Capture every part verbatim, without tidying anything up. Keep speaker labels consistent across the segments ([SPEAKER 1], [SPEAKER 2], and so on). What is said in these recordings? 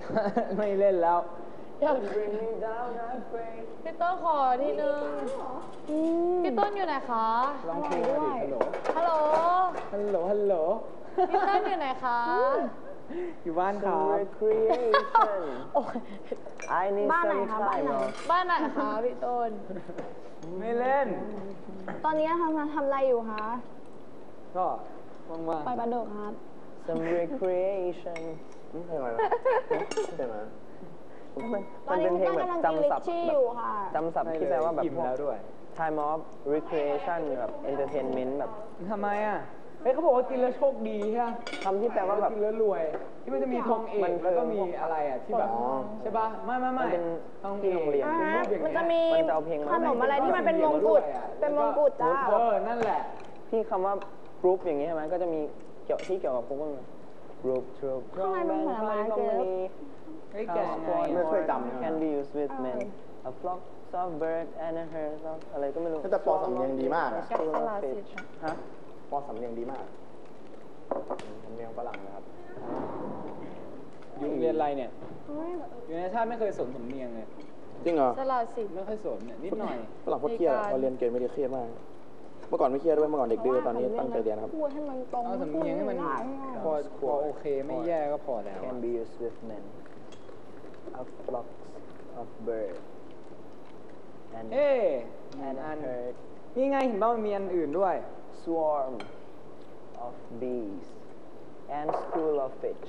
[SPEAKER 1] ไม่เล่นแล้ว
[SPEAKER 2] อยากพี่ต้นขอทีนึงพี่ต้นอยู่ไหนคะ
[SPEAKER 1] ลองคุยด้วย
[SPEAKER 2] ฮัลโหล
[SPEAKER 1] ฮัลโหลฮัลโหล
[SPEAKER 2] พี่ต้นอยู่ไหนคะ
[SPEAKER 1] อยู่บ้านครับ
[SPEAKER 3] recreation
[SPEAKER 4] บ้านไหนคะบ้านไหน
[SPEAKER 2] บ้านไหนคะพี่ต้น
[SPEAKER 1] ไม่เล่น
[SPEAKER 4] ตอนนี้ทำทำอะไรอยู่คะ
[SPEAKER 1] ก็ว่างๆ
[SPEAKER 4] ไปบันโดครับ
[SPEAKER 3] some recreation เพลงอะไรนะเพลงอะไร
[SPEAKER 4] มันเป็นเพลงแบบจำศัพท์
[SPEAKER 3] จำศัพท์ที่แปลว่าแบบแล้วด้วย time of recreation แบบ entertainment แบบ
[SPEAKER 1] ทำไมอ่ะเฮ้ยเขาบอกว่ากินแล้วโชคดีใช่ไหม
[SPEAKER 3] คำที่แปลว่าแบบ
[SPEAKER 1] กินแล้วรวยที่มันจะมีธงเอกแล้วก็มีอะไรอ่ะที่แบบใช่ป่ะไม่ไม่ไม่
[SPEAKER 3] ต้องที่โรงเรียน
[SPEAKER 4] มันจะมีขนมอะไรที่มันเป็นมงกุฎเป็นมงกุฎจ้า
[SPEAKER 1] เออนั่นแหละ
[SPEAKER 3] ที่คำว่า group อย่างนี้ใช่ไหมก็จะมีเกี่ยวที่เกี่ยวกับพวก group group
[SPEAKER 4] ข้างในมันเหมือนอะไรเจ๊
[SPEAKER 1] ไอ้แก่
[SPEAKER 3] ไม่เคยจำ can be used with men a flock of bird and a herd of อะไรก็ไม่รู้
[SPEAKER 5] แต่ปอสำเนียงดีมากอะ
[SPEAKER 3] ฮะ
[SPEAKER 5] ปอสำเนียงดีมากสำเนียงฝรั่งนะครับ
[SPEAKER 1] อยู่เรียนอะไรเนี่ยอยู่ในชาติไม่เคยสนสำเนียงเลย
[SPEAKER 5] จริงเหรอ
[SPEAKER 2] สลาสิ
[SPEAKER 1] ไม่ค่อยสนเนี่ยนิดหน่อย
[SPEAKER 5] ฝรั่งโคตรเครียดพอเรียนเกณฑ์ไม่ได้เครียดมากเมื่อก่อนไม่เครียดด้วยเมื่อก่อนเด็กดื้อตอนนี้ตั้งใจเรียนครับ
[SPEAKER 4] พูดให้มันตรง
[SPEAKER 1] เอาสำเนียงให้มันพอพอโอเคไม่แย่ก็พอแล้ว
[SPEAKER 3] can be used with men a flock of bird and
[SPEAKER 1] เอ๊ะอันนี่ไงเห็นป่ะมันมีอันอื่นด้วย
[SPEAKER 3] swarm of bees and school of fish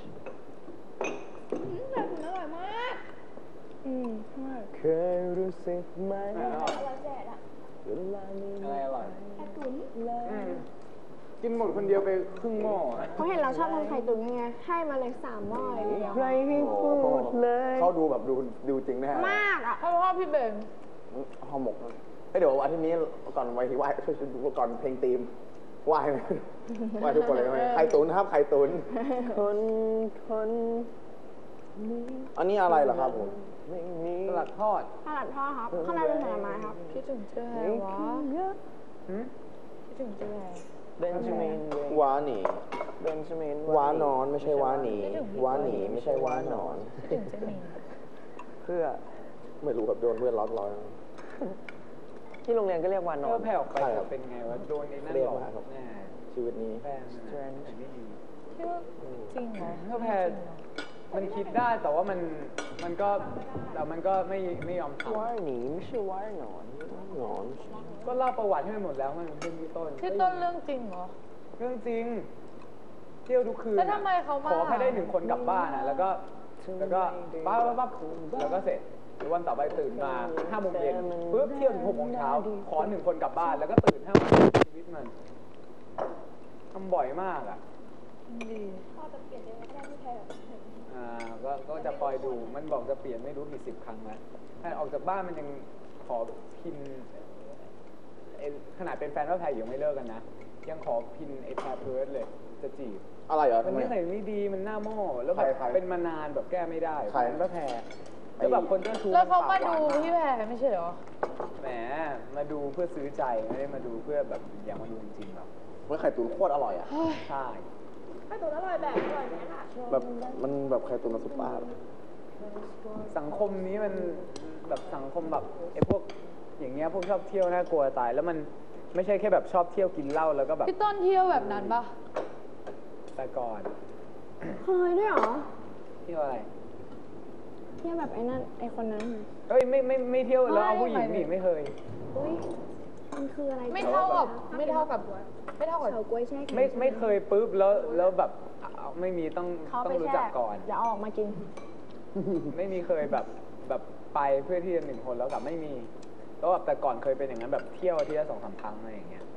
[SPEAKER 4] แบบอร่อยมากอืม
[SPEAKER 3] เคยรู้สึกไหม
[SPEAKER 1] อะไรอร่อย
[SPEAKER 4] ไข่ตุ๋น
[SPEAKER 1] กินหมดคนเดียวไปครึ่งหม้อ
[SPEAKER 4] เขาเห็นเราชอบทำไข่ตุ๋นยังไงให้มาเลยสามหม้อเลยเดียว
[SPEAKER 3] ใครให้พูดเลย
[SPEAKER 5] เขาดูแบบดูดูจริงแน่
[SPEAKER 4] มากอ่ะ
[SPEAKER 2] เขาพ่อพี่เบน
[SPEAKER 5] ห่อหมกเดี๋ยวอาทิตย์นี้ก่อนไว้ที่ไหว้ช่วยดูก่อนเพลงธีมไหว้ไหว้ทุกคนเลยไข่ตุ๋นครับไข่ตุ๋น
[SPEAKER 3] คนคน
[SPEAKER 5] อันนี้อะไรเหรอครับผม
[SPEAKER 1] สลัดทอด
[SPEAKER 4] สลัดทอดครับข้างในเป็นผลไม้ครับ
[SPEAKER 2] คิดถึงเจ้าแฮวะคิดถึงเจ้าแฮ
[SPEAKER 3] เบนจามิน
[SPEAKER 5] วาหนี
[SPEAKER 3] เบนจามิน
[SPEAKER 5] วานอนไม่ใช่วาหนีวาหนีไม่ใช่วานอน
[SPEAKER 2] คิดถึงเจ้าหนี
[SPEAKER 3] เพื่อ
[SPEAKER 5] ไม่รู้แบบโดนเพื่อนล้อล้อ
[SPEAKER 3] ที่โรงเรียนก็เรียกวานอน
[SPEAKER 1] เพื่อแผ่วไปเป็นไงวะโดนในนั่นหรอแน่
[SPEAKER 5] ชีวิตนี้
[SPEAKER 1] แฟนไม่ดี
[SPEAKER 2] จริงเหรอ
[SPEAKER 1] เพื่อแผ่มันคิดได้แต่ว่ามันมันก็แต่มันก็ไม่ไม่ยอมทำ
[SPEAKER 3] วาหนีไม่ใช่วานอน
[SPEAKER 5] นอน
[SPEAKER 1] ก็เล่าประวัติให้หมดแล้วมันเป็นพี่ต้น
[SPEAKER 2] พี่ต้นเรื่องจริงเหรอ
[SPEAKER 1] เรื่องจริงเที่ยวทุกคืน
[SPEAKER 2] แล้วทำไมเขามา
[SPEAKER 1] ขอแค่ได้หนึ่งคนกลับบ้านอ่ะแล้วก็แล้วก็ปั๊บปั๊บปั๊บแล้วก็เสร็จวันต่อไปตื่นมาห้าโมงเย็นปุ๊บเที่ยวถึงหกโมงเช้าขอหนึ่งคนกลับบ้านแล้วก็ตื่นห้าโมงชีวิตมันทำบ่อยมากอ่ะ
[SPEAKER 2] ดี
[SPEAKER 4] พ่อจะเปลี่ยนยังไงก็ได้ที่แพ้
[SPEAKER 1] อ่าก็ก็จะคอยดูมันบอกจะเปลี่ยนไม่รู้กี่สิบครั้งแล้วถ้าออกจากบ้านมันยังขอพินขนาดเป็นแฟนว่าแพรยังไม่เลิกกันนะยังขอพินไอ้แพรเพิร์ดเลยจะจีบ
[SPEAKER 5] อะไรเหรอ
[SPEAKER 1] มันไม่ใส่ไม่ดีมันหน้าโม่แล้วแบบเป็นมานานแบบแก้ไม่ได้ใครว่าแพรแล้วแบบคนเจ้าชู้
[SPEAKER 2] แล้วเขามาดูพี่แพรไม่ใช่เหรอ
[SPEAKER 1] แหมมาดูเพื่อซื้อใจไม่ได้มาดูเพื่อแบบอยากมาดูจริงๆหรอก
[SPEAKER 5] เมื่อไข่ตุ๋นโคตรอร่อยอ่ะ
[SPEAKER 1] ใช่
[SPEAKER 4] ไข่ตุ๋นอร่อยแบบอร่อยไหมคะ
[SPEAKER 5] แบบมันแบบไข่ตุ๋นน้ำซุปปลา
[SPEAKER 1] สังคมนี้มันแบบสังคมแบบไอ้พวกอย่างเงี้ยพวกชอบเที่ยวน่ากลัวตายแล้วมันไม่ใช่แค่แบบชอบเที่ยวกินเหล้าแล้วก็แบบ
[SPEAKER 2] พี่ต้นเที่ยวแบบนั้นปะ
[SPEAKER 1] แต่ก่อน
[SPEAKER 4] เคยด้วยเหรอ
[SPEAKER 1] เที่ยวอะไร
[SPEAKER 4] เที่ยวแบบไอ้นั่นไอ้คนนั้น
[SPEAKER 1] เอ้ยไม่ไม่ไม่เที่ยวแล้วเอาผู้หญิงนี่ไม่เคย
[SPEAKER 4] อุ้ยมันคืออะไร
[SPEAKER 2] ไม่เท่ากับไม่เท่ากับไม่เท่ากับ
[SPEAKER 4] เฉาก๊วยแช่
[SPEAKER 1] ไม่ไม่เคยปุ๊บแล้วแล้วแบบไม่มีต้องต้องรู้จักก่อน
[SPEAKER 4] อย่าออกมากิน
[SPEAKER 1] ไม่มีเคยแบบแบบไปเพื่อที่จะหนึ่งคนแล้วกับไม่มีแล้วแบบแต่ก่อนเคยเป็นอย่างนั้นแบบเที่ยวที่ละสองสามครั้งอะไรอย่างเงี้ย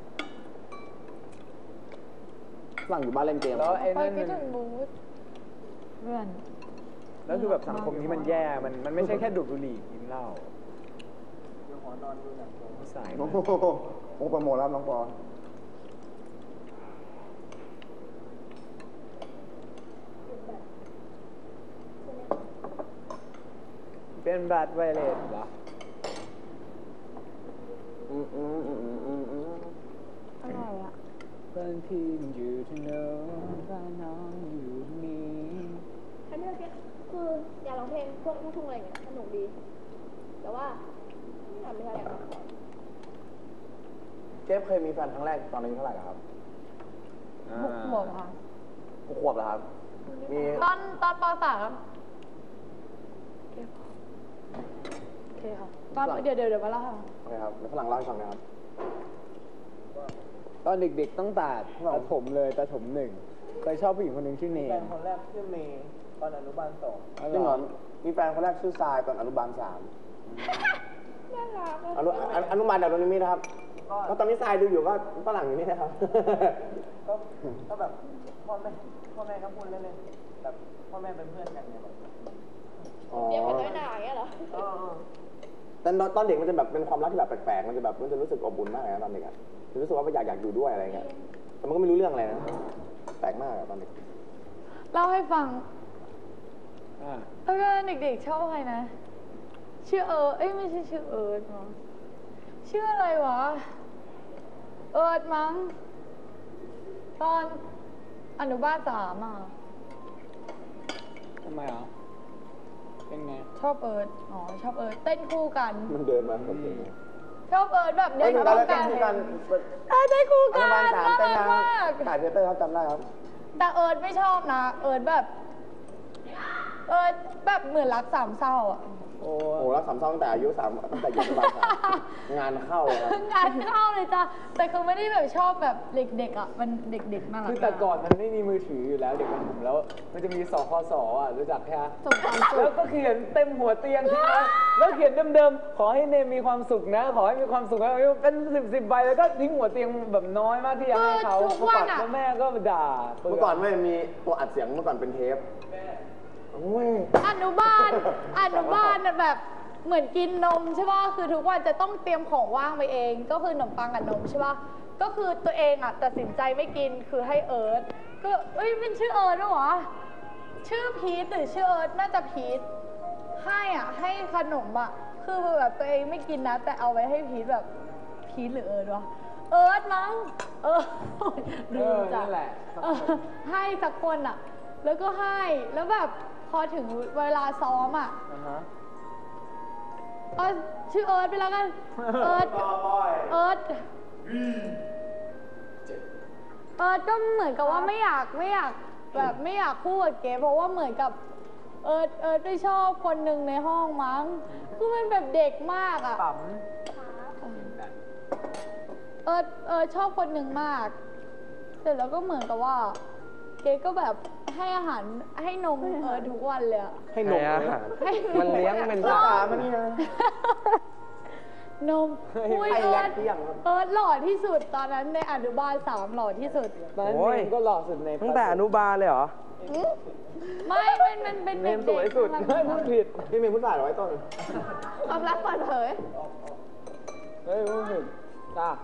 [SPEAKER 5] หลังอยู่บ้านเล่นเกม
[SPEAKER 1] แล้วไอ้นั่นมัน
[SPEAKER 2] เพื่อน
[SPEAKER 1] แล้วคือแบบสังคมนี้มันแย่มันมันไม่ใช่แค่ดูดบุหรี่กินเหล้าสาย
[SPEAKER 5] โอ้โหโอ้โปรโมทแล้วน้องปอ
[SPEAKER 1] เป็นบัตรไวเลสเหรอ
[SPEAKER 5] อืมอืมอืมอืมอืม
[SPEAKER 4] อร่อยอ่ะ
[SPEAKER 1] บางทีมันอยู่ที่โน้นบ้านน้องอยู่นี่
[SPEAKER 4] อันนี้คือคืออยากร้องเพลงพวกลูกทุ่งอะไรอย่างเงี้ยสนุกดี แต่ว่าไม่ทำไม่ได้อยากร้อง
[SPEAKER 5] เจฟเคยมีแฟนครั้งแรกตอนอายุเท่าไหร่ครับ
[SPEAKER 2] หกขวบค่ะ
[SPEAKER 5] หกขวบเหรอครับ มี
[SPEAKER 2] ตอนตอนปสามโอเคค่ะตอนเดี๋ยวเดี๋ยวเดี๋ยวมาเล่าให้ฟัง
[SPEAKER 5] โอเคครับแล้วฝรั่งเล่าให้ฟังนะครับ
[SPEAKER 1] ตอนเด็กๆตั้งแต่ประถมเลยประถมหนึ่งเคยชอบผู้หญิงคนหนึ่งชื่อเน
[SPEAKER 3] แฟ
[SPEAKER 1] ม
[SPEAKER 3] นคนแรกชื่อเมย์ตอนอนุบาลสอง
[SPEAKER 5] จริงเหรอมีแฟนคนแรกชื่อทรายตอนอนุบาลสาม
[SPEAKER 4] น่ารักอะ
[SPEAKER 5] อนุอนุอนุบาลดาวดวงนิมิตนะครับแล้วตอนนี้ทรายดูอยู่ก็ฝรั่งอยู่นี่นะครับ
[SPEAKER 3] ก็ก็แบบพ่อแม่พ่อแม่ก็พูดเล่นๆแบบพ่อแม่เป็นเพื่อนกันเนี่ยแบบ
[SPEAKER 5] อ๋อ
[SPEAKER 4] เรียกกันน้อยหนาอย่างเงี้ยเหรอ
[SPEAKER 3] เออ
[SPEAKER 5] แต่ตอนเด็กมันจะแบบเป็นความรักที่แบบแปลกๆ มันจะแบบมันจะรู้สึกอบอุ่นมากเลยนะตอนเด็กอะจะรู้สึกว่าอยากอยากอยู่ด้วยอะไรเงี้ย แต่มันก็ไม่รู้เรื่องอะไรนะ แปลกมากอะตอนเด็ก
[SPEAKER 2] เล่าให้ฟัง
[SPEAKER 1] อ่า
[SPEAKER 2] แล้วก็เด็กๆชอบใครนะ ชื่อเอิร์ธเอ้ยไม่ใช่ชื่อเอิร์ธมั้งชื่ออะไรวะ เอิร์ธมั้ง ตอนอนุบาลสามอ่ะ
[SPEAKER 1] ทำไมอ่ะเป็นไง
[SPEAKER 2] ชอบเอิร์ธอ๋อชอบเอิร์ธเต้นคู่กัน
[SPEAKER 5] มันเดินมาแบบนี้
[SPEAKER 2] ชอบเอิร์ธแบบ
[SPEAKER 5] เอ้
[SPEAKER 2] เต้
[SPEAKER 5] ย
[SPEAKER 2] น
[SPEAKER 5] ตอน
[SPEAKER 2] คู่
[SPEAKER 5] แรก
[SPEAKER 2] กั
[SPEAKER 5] เต้น
[SPEAKER 2] น
[SPEAKER 5] คู่กัน
[SPEAKER 2] เออเต้นคู่
[SPEAKER 5] อ
[SPEAKER 2] กั
[SPEAKER 5] นุ
[SPEAKER 2] น
[SPEAKER 5] บาลสาม
[SPEAKER 2] น่า
[SPEAKER 5] เต้น
[SPEAKER 2] รัก
[SPEAKER 5] นะ
[SPEAKER 2] มาก
[SPEAKER 5] ถ่ายเทเตอร์ครับจำได้ครับ
[SPEAKER 2] แต่เอิร์ธไม่ชอบนะ เอิร์ธแบบ เอิร์ธแบบเหมือนรักสามเศร้าอ่ะ
[SPEAKER 1] โอ้
[SPEAKER 5] โอ้โหรักสามเศร้าตั้งแต่อายุสามตั้งแต่อยู่อนุบาลสามงานเข้าเลยครับ
[SPEAKER 2] งานเข้าเลยจ้ะ แต่คือไม่ได้แบบชอบแบบเด็กๆอ่ะ มันเด็กๆน่ารัก
[SPEAKER 1] คือแต่ก่อนมันไม่มีมือถืออยู่แล้วเด็กมันผมแล้ว มันจะมีสคสอ่ะรู้จักแค่
[SPEAKER 2] ส่งความสุ
[SPEAKER 1] แล้ว
[SPEAKER 2] ข
[SPEAKER 1] ก็เขียนเต็มหัวเตียงใช่ไหมแล้วเขียนเดิมๆ ขอให้เนมมีความสุขนะ ขอให้มีความสุขนะเป็นสิบสิบใบแล้วก็ทิ้งหัวเตียงแบบน้อยมากที่จะให้เขา
[SPEAKER 2] ทุกวันอะ
[SPEAKER 1] แล้วแม่ก็ด่า
[SPEAKER 5] เมื่อก่อนไม่มีตัวอัดเสียงเมื่อก่อนเป็นเทปโอ้ย
[SPEAKER 2] อนุบาล อนุบาลน่ะแบบเหมือนกินนมใช่ป่ะ คือทุกวันจะต้องเตรียมของว่างไปเอง ก็คือขนมปังกับนมใช่ป่ะ ก็คือตัวเองอ่ะตัดสินใจไม่กิน คือให้เอิร์ธก็เอ้ยเป็นชื่อเอิร์ธด้วยเหรอ ชื่อพีทหรือชื่อเอิร์ธน่าจะพีทให้อ่ะให้ขนมอ่ะ คือแบบตัวเองไม่กินนะ แต่เอาไว้ให้พีทแบบพีทหรือเอิร์ธวะ เอิร์ธมั้ง เออ
[SPEAKER 1] เออนั่นแหละ
[SPEAKER 2] เออให้สักคนอ่ะ แล้วก็ให้ แล้วแบบพอถึงเวลาซ้อมอ่ะ
[SPEAKER 1] อ่าฮะ
[SPEAKER 2] เออชื่อเอิร์ธไปแล้วกัน เอิร์ธเอิร์ธเอิร์ธก็เหมือนกับว่าไม่อยากไม่อยากแบบไม่อยากคู่กับเก๋เพราะว่าเหมือนกับเอิร์ธเอิร์ธไปชอบคนหนึ่งในห้องมั้ง คือมันแบบเด็กมากอ่ะ
[SPEAKER 1] ปั๊ม
[SPEAKER 2] เอิร์ธเอิร์ธชอบคนหนึ่งมาก เสร็จแล้วก็เหมือนกับว่า เก๋ก็แบบให้อาหารให้นมเอิร์ธทุกวันเลยอะ
[SPEAKER 5] ให้นม
[SPEAKER 3] ให้อาหาร
[SPEAKER 2] ให้
[SPEAKER 3] มันเลี้ยงเป็น
[SPEAKER 5] ตา
[SPEAKER 3] สา
[SPEAKER 5] มันนี่นะ
[SPEAKER 2] นมอุ้ย
[SPEAKER 5] ไอ้
[SPEAKER 2] เอิ
[SPEAKER 5] แร
[SPEAKER 2] ร์
[SPEAKER 5] ก
[SPEAKER 2] ธ
[SPEAKER 5] เที่ยงครับ
[SPEAKER 2] เอิร์ธหล่อที่สุดตอนนั้นในอนุบาลสามหล่อที่สุด
[SPEAKER 1] ตอนนั้น
[SPEAKER 3] โอ้ย
[SPEAKER 1] เนมก็หล่อสุดใน
[SPEAKER 3] ตั้งแต่อนุบาลเลยเหรอ
[SPEAKER 2] ไม่มันมันเป็น
[SPEAKER 1] เน
[SPEAKER 2] เด็ก
[SPEAKER 1] มสวยสุด
[SPEAKER 2] ๆ
[SPEAKER 1] ไม่พูดผิด
[SPEAKER 5] พี่เมย์พูดฝ่ายเหรอไว้ต้น
[SPEAKER 4] ความรักเปิดเผย
[SPEAKER 1] เฮ้ยพูดผิดจ้า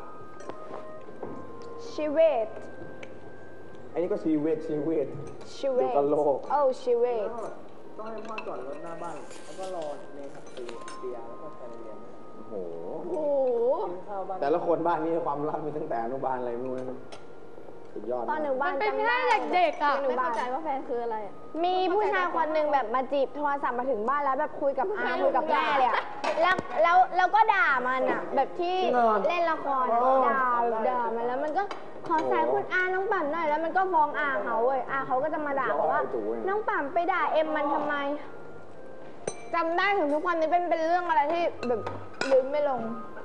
[SPEAKER 4] ชีเวต
[SPEAKER 5] อันนี้ก็ชีวิตชีวิต
[SPEAKER 4] ชีเว
[SPEAKER 5] เดี๋
[SPEAKER 4] ต
[SPEAKER 5] ยวก็โลก
[SPEAKER 4] โอ้ชีเวต
[SPEAKER 3] ต้องให้พ่อจอดรถหน้าบ้าน แล้วก็รอเมย์ขับตีเตียแล้วก็แฟนเรียน
[SPEAKER 5] โอ้โห
[SPEAKER 4] โอ้โห
[SPEAKER 3] กินข้าวบ้าน
[SPEAKER 5] แต่ละคนบ้านนี้ความรักมีตั้งแต่อนุบาลอะไรไม่รู้นะสุดยอด
[SPEAKER 4] ตอนหนึ่งบ้า
[SPEAKER 2] มัน นเป็น
[SPEAKER 4] จำ
[SPEAKER 2] แค่
[SPEAKER 4] ได้
[SPEAKER 2] เด็กๆอ่ะ
[SPEAKER 4] ไม่เข้าใจว่าแฟนคืออะไร มีผู้ชายคนหนึ่งแบบมาจีบโทรศัพท์มาถึงบ้านแล้วแบบคุยกับอาคุยกับแม่เลยอะแล้วแล้วแล้วก็ด่ามันอะแบบที่เล่นละครอะด่าด่ามันแล้วมันก็ขอสายคุณอาน้องปั่นหน่อยแล้วมันก็ฟ้องอาเขาเว้ยอาเขาก็จะมาด่าบอกว่า น้องปั่นไปด่าเอ็มมันทำไมจำได้ถึงทุกวันนี้เป็นเป็นเรื่องอะไรที่แบบลืมไม่ลง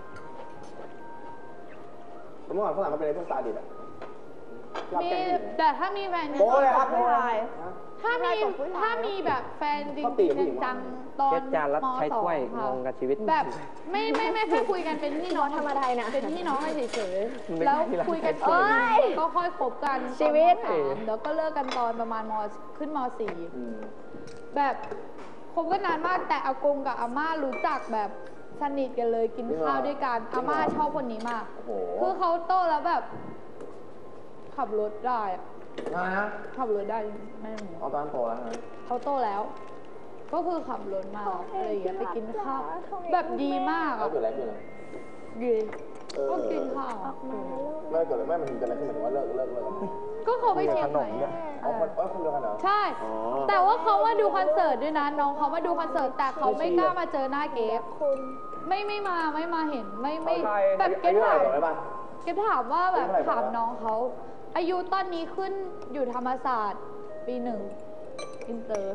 [SPEAKER 5] เมื่อก่อนฝรั่งมันเป็นไอ้พวกซาดิสอะชอบ
[SPEAKER 2] มี
[SPEAKER 5] แกล้งผู้หญิง
[SPEAKER 2] แต่ถ้ามีแฟน
[SPEAKER 5] โป๊เลยครับ
[SPEAKER 4] ผู้ชาย
[SPEAKER 2] ถ้ามี
[SPEAKER 4] ผู้ชายกับผู้ชาย
[SPEAKER 2] ถ้ามีแบบแฟนจริง
[SPEAKER 5] เขาตีกับผู้หญิง
[SPEAKER 2] ๆจังๆตอน
[SPEAKER 3] เช็ดจานแล้ว
[SPEAKER 2] ม
[SPEAKER 3] ใช้
[SPEAKER 2] สอง
[SPEAKER 3] ถ้วย
[SPEAKER 2] ค่ะ
[SPEAKER 3] งงกับชีวิต
[SPEAKER 2] แบบไม่ไม่ไม่แค่คุยกันเป็นพี่น้อง
[SPEAKER 4] ธรรมดานะ
[SPEAKER 2] เป็นพี่น้องกันเฉย
[SPEAKER 3] มัน
[SPEAKER 2] ๆ
[SPEAKER 3] ไม่
[SPEAKER 2] แล้ว
[SPEAKER 3] ใช่ร้าน
[SPEAKER 2] คุยกัน
[SPEAKER 3] ขายถ้วย
[SPEAKER 2] เอ้ย
[SPEAKER 4] เอ้ย
[SPEAKER 2] ก็ค่อยคบกัน
[SPEAKER 4] ชีวิต
[SPEAKER 2] ตอนมสามแล้วก็เลิกกันตอนประมาณมขึ้นมสี่
[SPEAKER 5] อืม
[SPEAKER 2] แบบคบกันนานมากแต่อากงกับอาม่ารู้จักแบบสนิทกันเลยกินข้าวด้วยกันอาม่าชอบคนนี้มาก
[SPEAKER 5] โอ้โห
[SPEAKER 2] คือเขาโตแล้วแบบ ขับรถได้อะ
[SPEAKER 5] มาฮะ
[SPEAKER 2] ขับรถได้แม่หนู
[SPEAKER 5] เอาตอนโตแล้วนะ
[SPEAKER 2] เขาโตแล้ว ก็คือขับรถมาอะไรอย่างเงี้ยไปกินข้าวแบบดีมาก
[SPEAKER 5] แล้ว
[SPEAKER 2] อะ
[SPEAKER 5] เกิดอะไรขึ้นอะ
[SPEAKER 2] ดี
[SPEAKER 5] เออ
[SPEAKER 2] ก็กินข้าวอะ
[SPEAKER 5] ไม่เกิดอะไรไม่มันเกิดอะไรขึ้นหมายถึงว่าเลิกเลิกเลิกกัน
[SPEAKER 2] ก็เขาไปเชียงใหม่
[SPEAKER 5] เอาคนเอาคนเดียวกันเหรอ
[SPEAKER 2] ใช่ แต่ว่าเขามาดูคอนเสิร์ตด้วยนะน้องเขามาดูคอนเสิร์ตแต่เขาไม่กล้ามาเจอหน้าเกฟไม่ไม่มาไม่มาเห็นไม่ไม่แบบเกฟถาม เก็บถามว่าแบบถามน้องเขาอายุตอนนี้ขึ้นอยู่ธรรมศาสตร์ปีหนึ่งอินเตอร์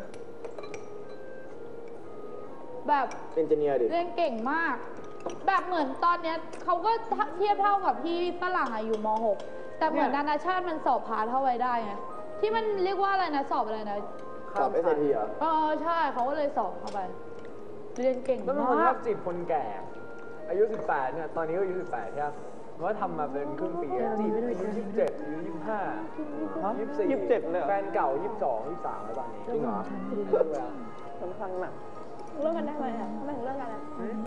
[SPEAKER 2] แบบ
[SPEAKER 5] เอนจิเนียร์ดิ
[SPEAKER 2] เรียนเก่งมาก แบบเหมือนตอนเนี้ยเขาก็เทียบเท่ากับพี่ฝรั่งอะอยู่ม หก แต่เหมือนนานาชาติมันสอบพาสเข้าไว้ได้ไงที่มันเรียกว่าอะไรนะสอบอะไรนะ
[SPEAKER 5] สอบ เอส เอ ที เหรอ
[SPEAKER 2] เออใช่เขาก็เลยสอบเข้าไป เรียนเก่ง
[SPEAKER 1] แล้วเป็นคนช
[SPEAKER 2] มา
[SPEAKER 1] อก บจีบคนแก่ อายุสิบแปดเนี่ยตอนนี้ก็อายุสิบแปดใช่ไหมเพราะว่าทำมาเป็นครึ่งปีอะจีบอายุยี่สิบเจ็ดอายุยี่สิบห้ายี่สิบสี่
[SPEAKER 3] ยี่สิบเจ็ดเลยเหรอ
[SPEAKER 1] แฟนเก่ายี่สิบสองยี่สิบสามแล้วตอนนี้
[SPEAKER 5] จริงเหรอ
[SPEAKER 3] สำคัญหนัก
[SPEAKER 4] เลิกกันได้ไหมอ่ะทำไมถึงเลิกกันอ่ะ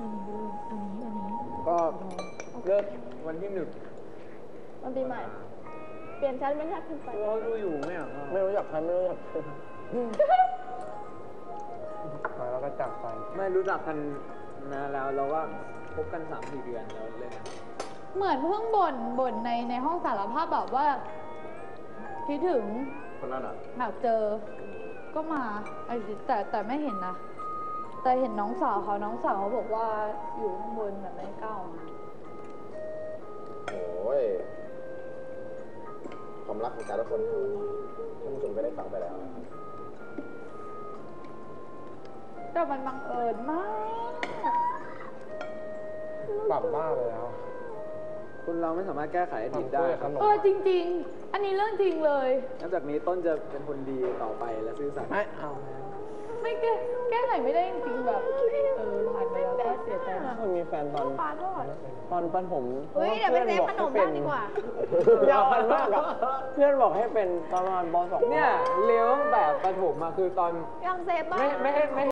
[SPEAKER 1] ก็เลิกวันที่หนึ่ง
[SPEAKER 4] วันปีใหม่ เปลี่ยนชั้นเป็นชั้นขึ้นไป
[SPEAKER 1] เราดูอยู่ไหมอ่ะ
[SPEAKER 3] ไม่รู้จักใครไม่รู้จักใครมาแล้วก็จากไป
[SPEAKER 1] ไม่รู้จักกันนานแล้วเราก็คบกันสามสี่เดือนแล้วเลยนะ
[SPEAKER 2] เหมือนเพิ่งบ่นบ่นในในห้องสารภาพแบบว่าคิดถึง
[SPEAKER 5] คนนั้นอ่ะ
[SPEAKER 2] อยากเจอ ก็มาไอ้สิแต่แต่ไม่เห็นนะ แต่เห็นน้องสาวเขาน้องสาวเขาบอกว่าอยู่ข้างบนแบบไม่กล้าออกมา
[SPEAKER 5] โอ้ย ความรักของแต่ละคนท่านผู้ชมก็ได้ฟังไปแล้วนะครับ
[SPEAKER 2] แต่มันบังเอิญมาก
[SPEAKER 3] ปรับบ้าไปแล้ว
[SPEAKER 1] คุณเราไม่สามารถแก้ไขอดีตได้ครับ
[SPEAKER 2] เออจริง ๆ อันนี้เรื่องจริงเลย
[SPEAKER 1] นับจากนี้ต้นจะเป็นคนดีต่อไปและซื่อสัตย์
[SPEAKER 3] ไม่เอา
[SPEAKER 2] ไม่แก้แก้ไขไม่ได้จริงๆแบบเออผ่านไปแล้วก็เสียใจมาก
[SPEAKER 3] คนมีแฟนตอน
[SPEAKER 4] ปาทอด
[SPEAKER 3] ตอนปั้นผม
[SPEAKER 4] เฮ้ยเดี๋ยวไปเซฟขนมบ้างดีกว่า
[SPEAKER 3] ยาวกันมากอะเพื่อนบอกให้เป็นตอนประมาณปสอง
[SPEAKER 1] เนี่ยเลี้ยวตั้งแต่ประถมมาคือตอน
[SPEAKER 4] ยังเซฟบ้าง
[SPEAKER 1] ไม่ไม่ให้ไม่